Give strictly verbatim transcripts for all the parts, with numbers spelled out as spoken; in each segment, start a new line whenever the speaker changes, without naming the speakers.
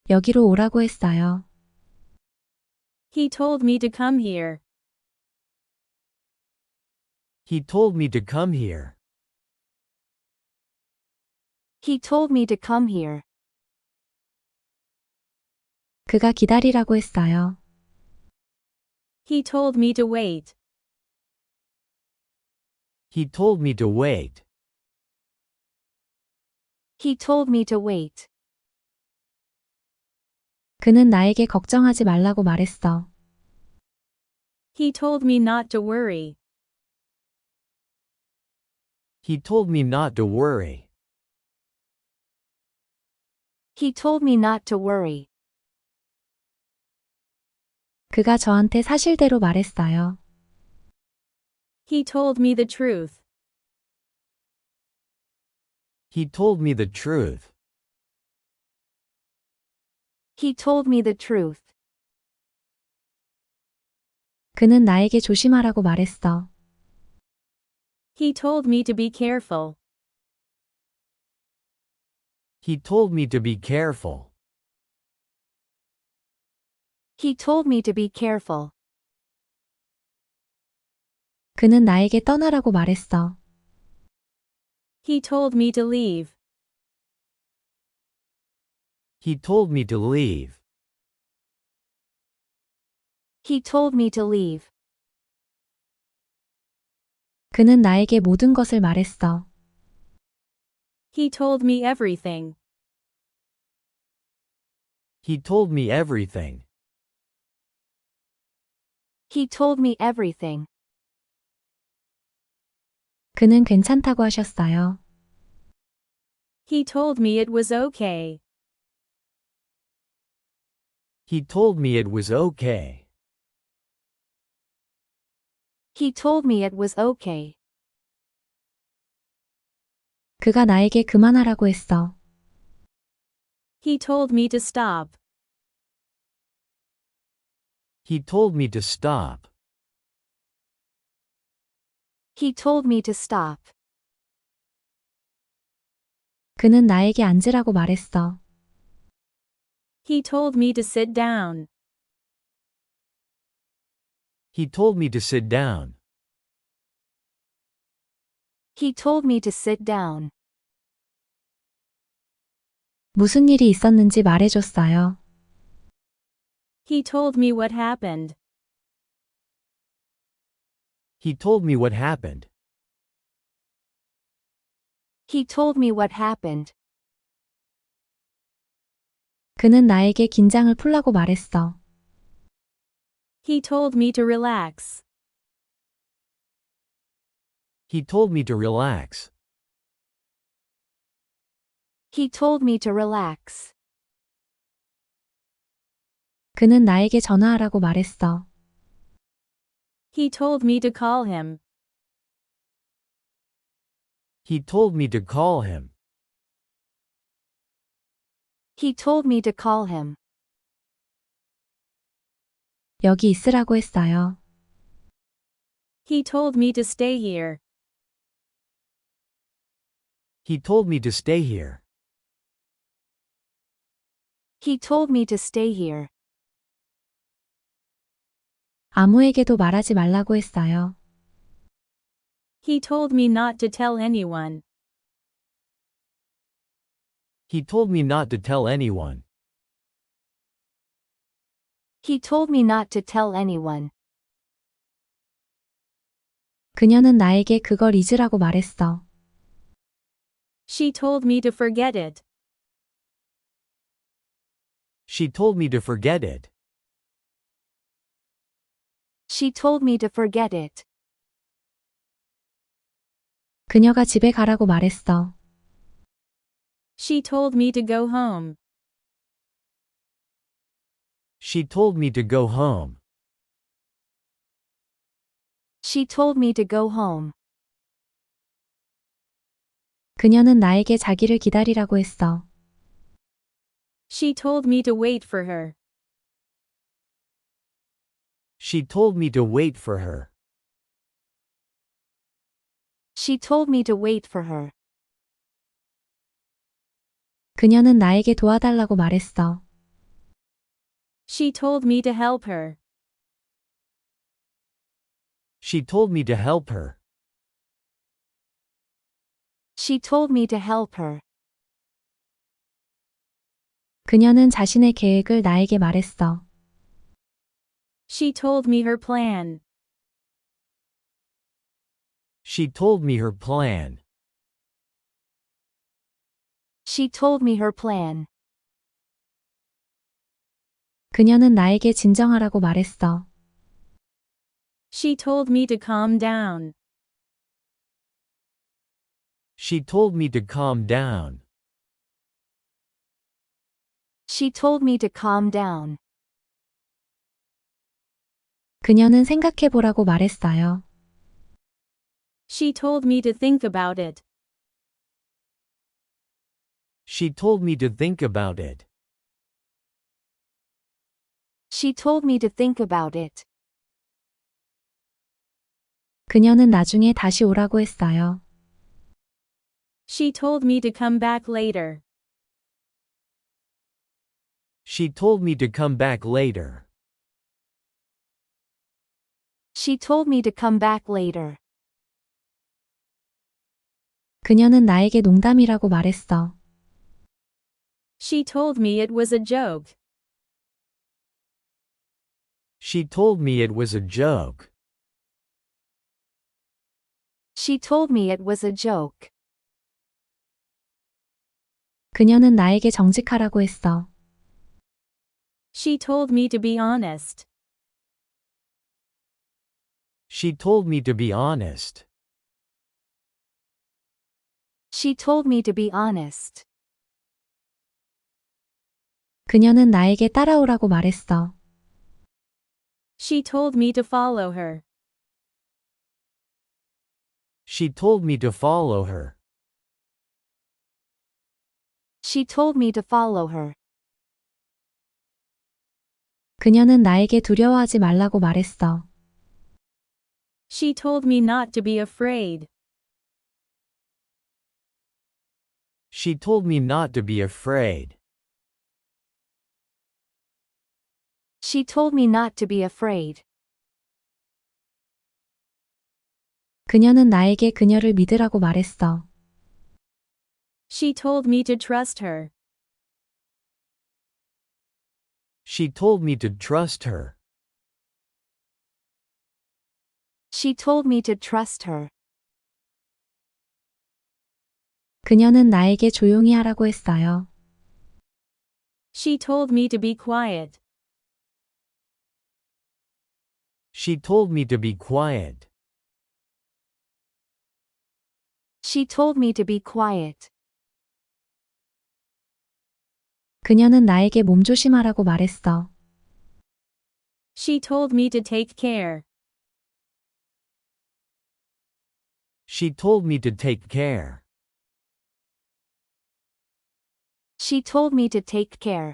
여기로 오라고 했어요.
He told me to come here.
He told me to come here.
He told me to come here.
그가 기다리라고 했어요.
He told me to wait.
He told me to wait.
He told me to wait.
그는 나에게 걱정하지 말라고 말했어.
He told me not to worry.
He told me not to worry.
He told me not to worry.
그가 저한테 사실대로 말했어요.
He told me the truth.
He told me the truth.
He told me the truth.
그는 나에게 조심하라고 말했어.
He told me to be careful.
He told me to be careful.
He told me to be careful.
그는 나에게 떠나라고 말했어.
He told me to leave.
He told me to leave.
He told me to leave.
그는 나에게 모든 것을 말했어.
He told me everything.
He told me everything.
He told me everything.
그는 괜찮다고 하셨어요.
He told me it was okay.
He told me it was okay.
He told me it was okay.
그가 나에게 그만하라고 했어.
He told me to stop.
He told me to stop.
He told me to stop.
그는 나에게 앉으라고 말했어.
He told me to sit down.
He told me to sit down.
He told me to sit down.
무슨 일이 있었는지 말해줬어요.
He told me what happened.
He told me what happened.
He told me what happened.
그는 나에게 긴장을 풀라고 말했어.
He told me to relax.
He told me to relax.
He told me to relax.
그는 나에게 전화하라고 말했어.
He told me to call him.
He told me to call him.
He told me to call him.
여기 있으라고 했어요.
He told me to stay here.
He told me to stay here.
He told me to stay here.
아무에게도 말하지 말라고 했어요.
He told me not to tell anyone.
He told me not to tell anyone.
He told me not to tell anyone.
그녀는 나에게 그걸 잊으라고 말했어.
She told me to forget it.
She told me to forget it.
She told me to forget it.
그녀가 집에 가라고 말했어.
She told me to go home.
She told me to go home.
She told me to go home.
그녀는 나에게 자기를 기다리라고 했어.
She told me to wait for her.
She told me to wait for her.
She told me to wait for her.
그녀는 나에게 도와달라고 말했어.
She told me to help her.
She told me to help her.
She told me to help her.
그녀는 자신의 계획을 나에게 말했어.
She told me her plan.
She told me her plan.
She told me her plan.
그녀는 나에게 진정하라고 말했어.
She told me to calm down.
She told me to calm down.
She told me to calm down.
그녀는 생각해 보라고 말했어요.
She told me to think about it.
She told me to think about it.
She told me to think about it.
그녀는 나중에 다시 오라고 했어요.
She told me to come back later.
She told me to come back later.
She told me to come back later.
그녀는 나에게 농담이라고 말했어.
She told me it was a joke.
She told me it was a joke.
She told me it was a joke.
그녀는 나에게 정직하라고 했어.
She told me to be honest.
She told me to be honest.
She told me to be honest.
그녀는 나에게 따라오라고 말했어.
She told me to follow her.
She told me to follow her.
She told me to follow her.
그녀는 나에게 두려워하지 말라고 말했어.
She told me not to be afraid.
She told me not to be afraid.
She told me not to be afraid.
그녀는 나에게 그녀를 믿으라고 말했어.
She told me to trust her.
She told me to trust her.
She told me to trust her.
그녀는 나에게 조용히 하라고 했어요.
She told me to be quiet.
She told me to be quiet.
She told me to be quiet.
그녀는 나에게 몸조심하라고 말했어.
She told me to take care.
She told me to take care.
She told me to take care.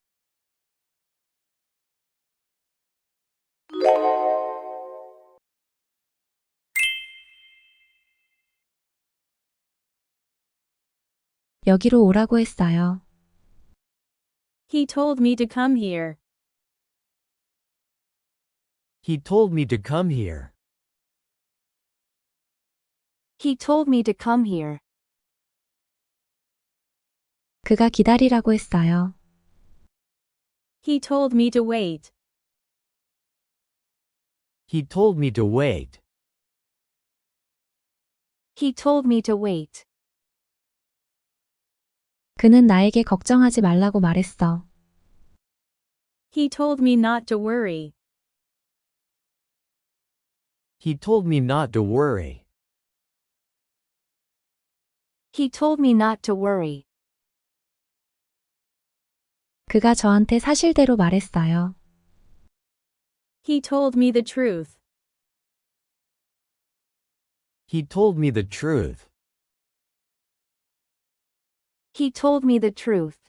여기로 오라고 했어요.
He told me to come here.
He told me to come here.
He told me to come here.
그가 기다리라고 했어요.
He told me to wait.
He told me to wait.
He told me to wait.
그는 나에게 걱정하지 말라고 말했어.
He told me not to worry.
He told me not to worry.
He told me not to worry.
그가 저한테 사실대로 말했어요.
He told me the truth.
He told me the truth.
He told me the truth.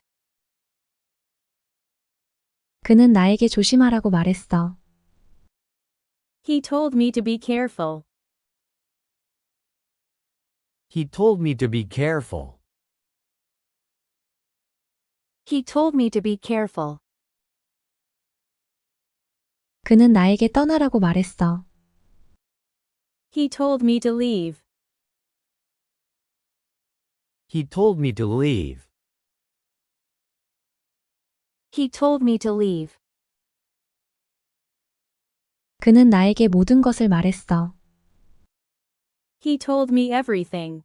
그는 나에게 조심하라고 말했어.
He told me to be careful.
He told me to be careful.
He told me to be careful.
그는 나에게 떠나라고 말했어.
He told me to leave.
He told me to leave.
He told me to leave.
그는 나에게 모든 것을 말했어.
He told me everything.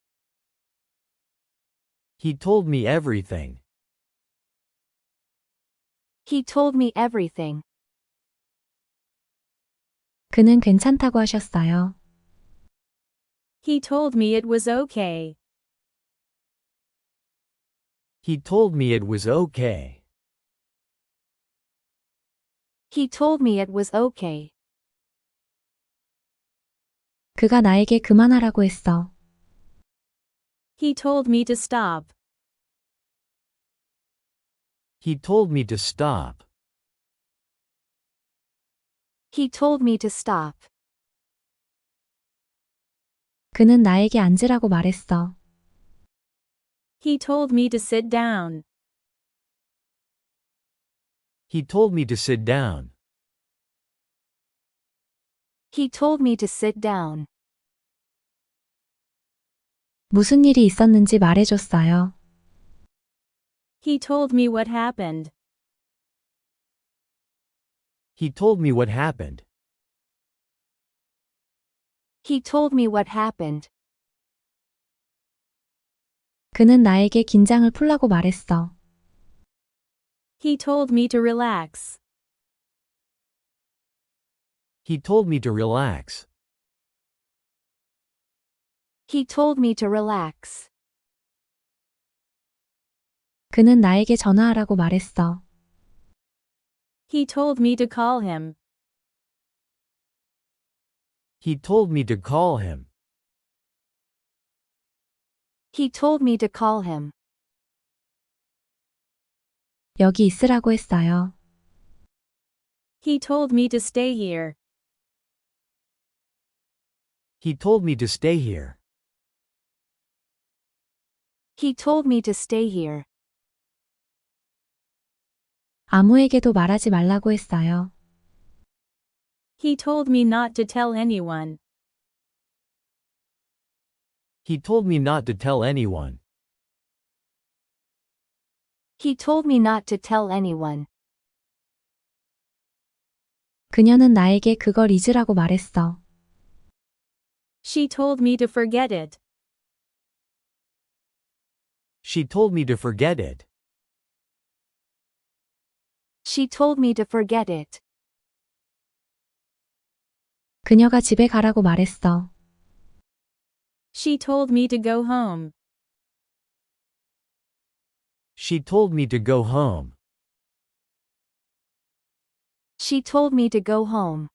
He told me everything.
He told me everything.
그는 괜찮다고 하셨어요.
He told me it was okay.
He told me it was okay.
He told me it was okay.
그가 나에게 그만하라고 했어.
He told me to stop.
He told me to stop.
He told me to stop.
그는 나에게 앉으라고 말했어.
He told me to sit down.
He told me to sit down.
He told me to sit down.
무슨 일이 있었는지 말해줬어요.
He told me what happened.
He told me what happened.
He told me what happened.
그는 나에게 긴장을 풀라고 말했어.
He told me to relax.
He told me to relax.
He told me to relax.
그는 나에게 전화하라고 말했어.
He told me to call him.
He told me to call him.
He told me to call him.
여기 있으라고 했어요.
He told me to stay here.
He told me to stay here.
He told me to stay here.
아무에게도 말하지 말라고 했어요.
He told me not to tell anyone.
He told me not to tell anyone.
He told me not to tell anyone.
그녀는 나에게 그걸 잊으라고 말했어.
She told me to forget it.
She told me to forget it.
She told me to forget it.
그녀가 집에 가라고 말했어.
She told me to go home.
She told me to go home.
She told me to go home.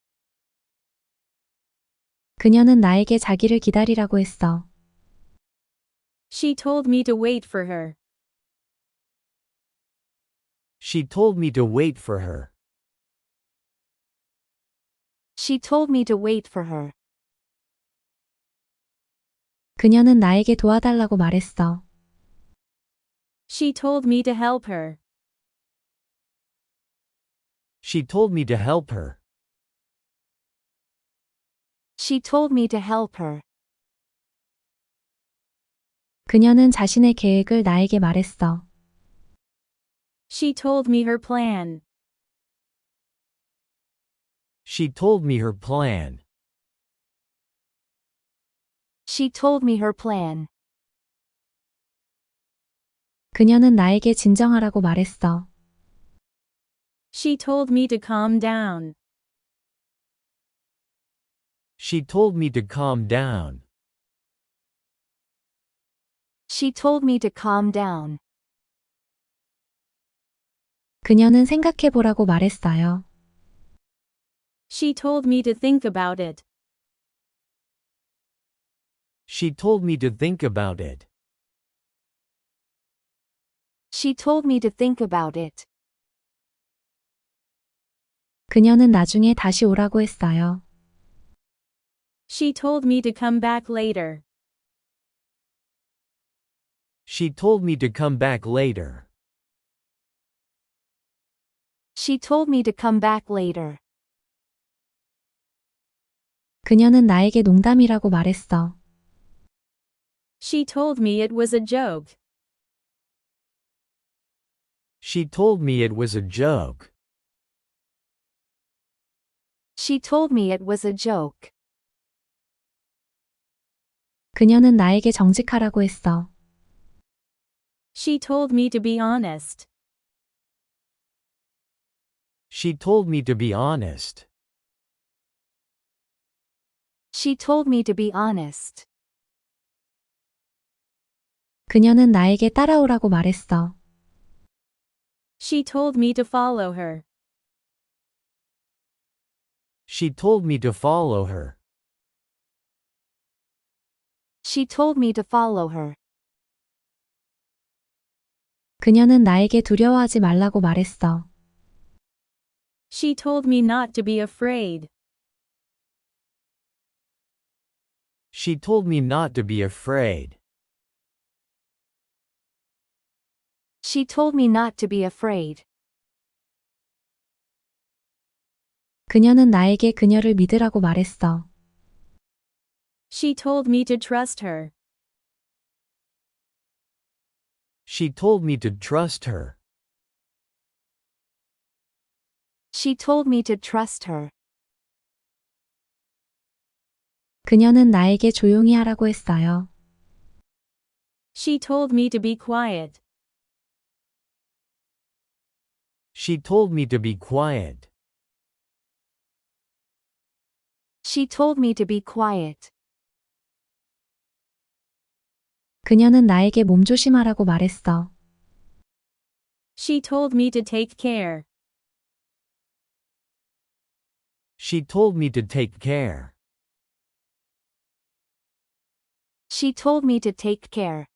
그녀는 나에게 자기를 기다리라고 했어.
She told me to wait for her.
She told me to wait for her.
She told me to wait for her.
그녀는 나에게 도와달라고 말했어.
She told me to help her.
She told me to help her.
She told me to help her.
그녀는 자신의 계획을 나에게 말했어.
She told me her plan.
She told me her plan.
She told me her plan.
그녀는 나에게 진정하라고 말했어.
She told me to calm down.
She told me to calm down.
She told me to calm down.
그녀는 생각해보라고 말했어요.
She told me to think about it.
She told me to think about it.
She told me to think about it.
그녀는 나중에 다시 오라고 했어요.
She told me to come back later.
She told me to come back later.
She told me to come back later.
그녀는 나에게 농담이라고 말했어.
She told me it was a joke.
She told me it was a joke.
She told me it was a joke.
그녀는 나에게 정직하라고 했어.
She told me to be honest.
She told me to be honest.
She told me to be honest.
그녀는 나에게 따라오라고 말했어.
She told me to follow her.
She told me to follow her.
She told me to follow her.
그녀는 나에게 두려워하지 말라고 말했어.
She told me not to be afraid.
She told me not to be afraid.
She told me not to be afraid.
그녀는 나에게 그녀를 믿으라고 말했어.
She told me to trust her.
She told me to trust her.
She told me to trust her.
그녀는 나에게 조용히 하라고 했어요.
She told me to be quiet.
She told me to be quiet.
She told me to be quiet.
그녀는 나에게 몸조심하라고 말했어.
She told me to take care.
She told me to take care.
She told me to take care.